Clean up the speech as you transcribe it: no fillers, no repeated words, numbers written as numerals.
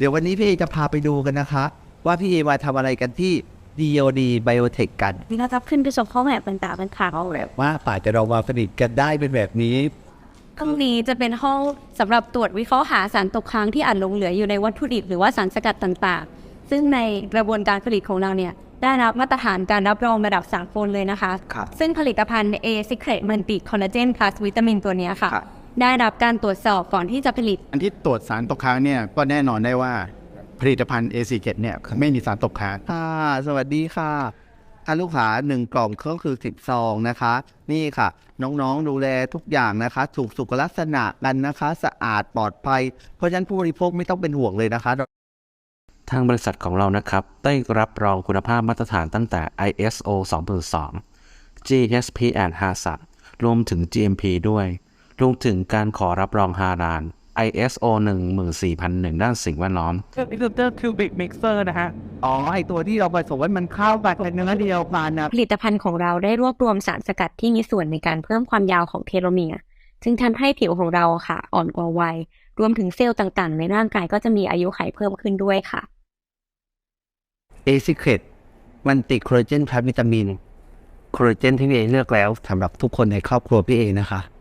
ดี๋ยววันนี้พี่เอจะพาไปดูกันนะคะว่าพี่เอมาทำอะไรกันที่ DOD Biotech กันนี่เราจะขึ้นไปชมห้องแลบต่างๆเป็นข่าวแลบว่าป่าจะเรามาผลิตกันได้เป็นแบบนี้ห้องนี้จะเป็นห้องสำหรับตรวจวิเคราะห์หาสารตกค้างที่อาจหลงเหลืออยู่ในวัตถุดิบหรือว่าสารสกัดต่างๆซึ่งในกระบวนการผลิตของเราเนี่ยได้รับมาตรฐานการรับรองระดับสากลเลยนะคะซึ่งผลิตภัณฑ์ A Secret Multi Collagen Plus วิตามินตัวนี้ค่ะได้รับการตรวจสอบก่อนที่จะผลิตอันที่ตรวจสารตกค้างเนี่ยก็แน่นอนได้ว่าผลิตภัณฑ์ A Secret เนี่ยไม่มีสารตกค้างสวัสดีค่ะลูกค้า1 กล่องก็คือ10 ซองนะคะนี่ค่ะน้องๆดูแลทุกอย่างนะคะถูกสุขลักษณะกันนะคะสะอาดปลอดภัยเพราะฉะนั้นผู้บริโภคไม่ต้องเป็นห่วงเลยนะคะทางบริษัทของเรานะครับได้รับรองคุณภาพมาตรฐานตั้งแต่ ISO 2002 GSP and HACCP รวมถึง GMP ด้วยรวมถึงการขอรับรองฮาลาล ISO 14001 ด้านสิ่งแวดล้อมนี่คือบิ๊กมิกเซอร์นะฮะไอตัวที่เราผสมไว้มันเข้าไปเป็นเนื้อเดียวกันนะผลิตภัณฑ์ของเราได้รวบรวมสารสกัดที่มีส่วนในการเพิ่มความยาวของเทโลเมียร์จึงทำให้ผิวของเราค่ะอ่อนกว่าวัยรวมถึงเซลล์ต่างๆในร่างกายก็จะมีอายุขัยเพิ่มขึ้นด้วยค่ะ A Secret มันติดคอลลาเจนพลัสวิตามินคอลลาเจนที่พี่เอเลือกแล้วสำหรับทุกคนในครอบครัวพี่เอนะคะ